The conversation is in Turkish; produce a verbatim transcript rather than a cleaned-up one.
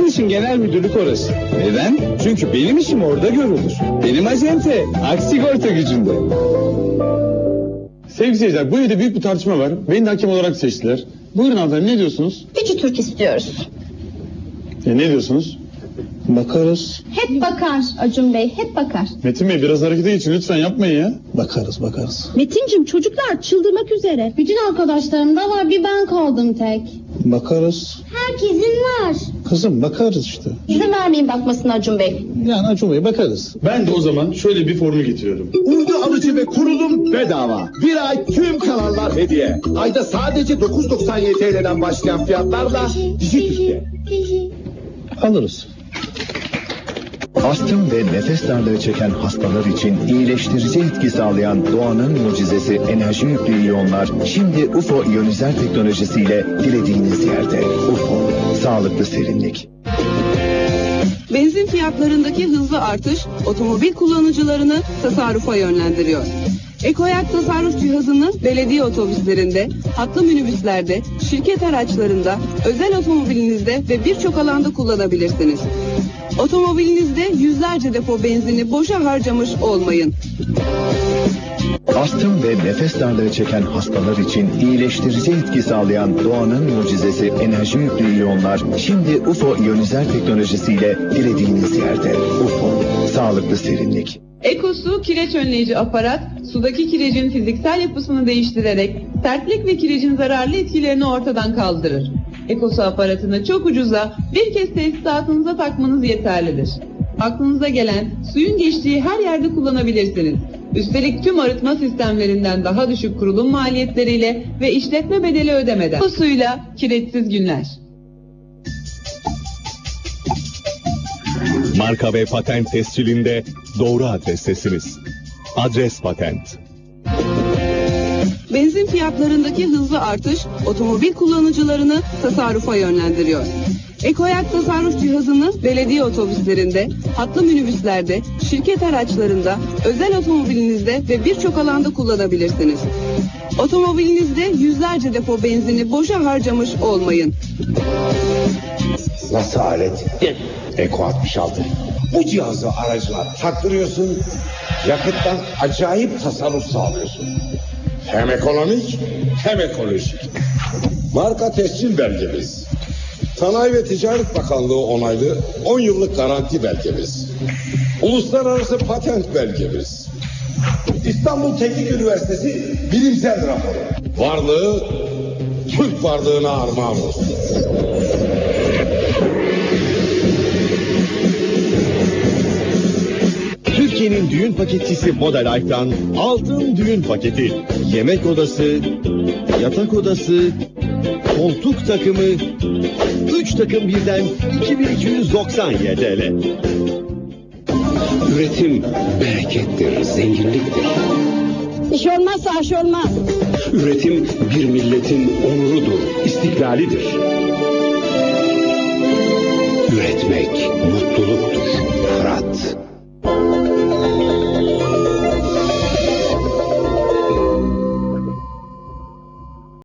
için genel müdürlük orası. Neden? Çünkü benim işim orada görülür. Benim acente Aksigorta gücünde. Sevgili seyirciler, bu evde büyük bir tartışma var. Beni de hakem olarak seçtiler. Buyurun hanımefendi, ne diyorsunuz? Üçü Türk istiyoruz. E, ne diyorsunuz? Bakarız. Hep bakar Acun Bey, hep bakar. Metin Bey, biraz harekete geçin lütfen, yapmayın ya. Bakarız bakarız. Metincim, çocuklar çıldırmak üzere. Bütün arkadaşlarım da var, bir ben kaldım tek. Bakarız. Herkesin var. Kızım bakarız işte. İzin vermeyin bakmasına Acun Bey. Yani Acun Bey bakarız. Ben de o zaman şöyle bir formül getiriyorum. Uydu alıcı ve kurulum bedava. Bir ay tüm kanallar hediye. Ayda sadece dokuz doksan yedi T L'den başlayan fiyatlarla Dijitürk'te. Alırız. Astım ve nefes darlığı çeken hastalar için iyileştirici etki sağlayan doğanın mucizesi enerji yüklü iyonlar şimdi U F O iyonizer teknolojisiyle dilediğiniz yerde. U F O, sağlıklı serinlik. Benzin fiyatlarındaki hızlı artış otomobil kullanıcılarını tasarrufa yönlendiriyor. Ekoyak tasarruf cihazını belediye otobüslerinde, hatlı minibüslerde, şirket araçlarında, özel otomobilinizde ve birçok alanda kullanabilirsiniz. Otomobilinizde yüzlerce depo benzini boşa harcamış olmayın. Astım ve nefes darlığı çeken hastalar için iyileştirici etki sağlayan doğanın mucizesi enerji yüklü iyonlar şimdi U F O iyonizer teknolojisiyle dilediğiniz yerde. U F O, sağlıklı serinlik. Ekosu kireç önleyici aparat, sudaki kirecin fiziksel yapısını değiştirerek sertlik ve kirecin zararlı etkilerini ortadan kaldırır. Ekosu aparatını çok ucuza bir kez tesisatınıza takmanız yeterlidir. Aklınıza gelen suyun geçtiği her yerde kullanabilirsiniz. Üstelik tüm arıtma sistemlerinden daha düşük kurulum maliyetleriyle ve işletme bedeli ödemeden. Bu suyla kireçsiz günler. Marka ve patent tescilinde doğru adrestesiniz. Adres Patent. Benzin fiyatlarındaki hızlı artış otomobil kullanıcılarını tasarrufa yönlendiriyor. Ekoyak tasarruf cihazını belediye otobüslerinde, hatlı minibüslerde, şirket araçlarında, özel otomobilinizde ve birçok alanda kullanabilirsiniz. Otomobilinizde yüzlerce depo benzini boşa harcamış olmayın. Nasıl alet? Eko altmış altı. Bu cihazı aracına taktırıyorsun, yakıttan acayip tasarruf sağlıyorsun. Hem ekonomik hem ekolojik. Marka tescil belgemiz. Sanayi ve Ticaret Bakanlığı onaylı on yıllık garanti belgemiz. Uluslararası patent belgemiz. İstanbul Teknik Üniversitesi bilimsel raporu. Varlığı Türk varlığına armağan olsun. Türkiye'nin düğün paketçisi Moda Life'dan altın düğün paketi. Yemek odası, yatak odası, koltuk takımı, üç takım birden iki bin iki yüz doksan Y T L. Üretim berekettir, zenginliktir. İş olmazsa aş olmaz. Üretim bir milletin onurudur, istiklalidir. Üretmek mutluluktur. Fırat.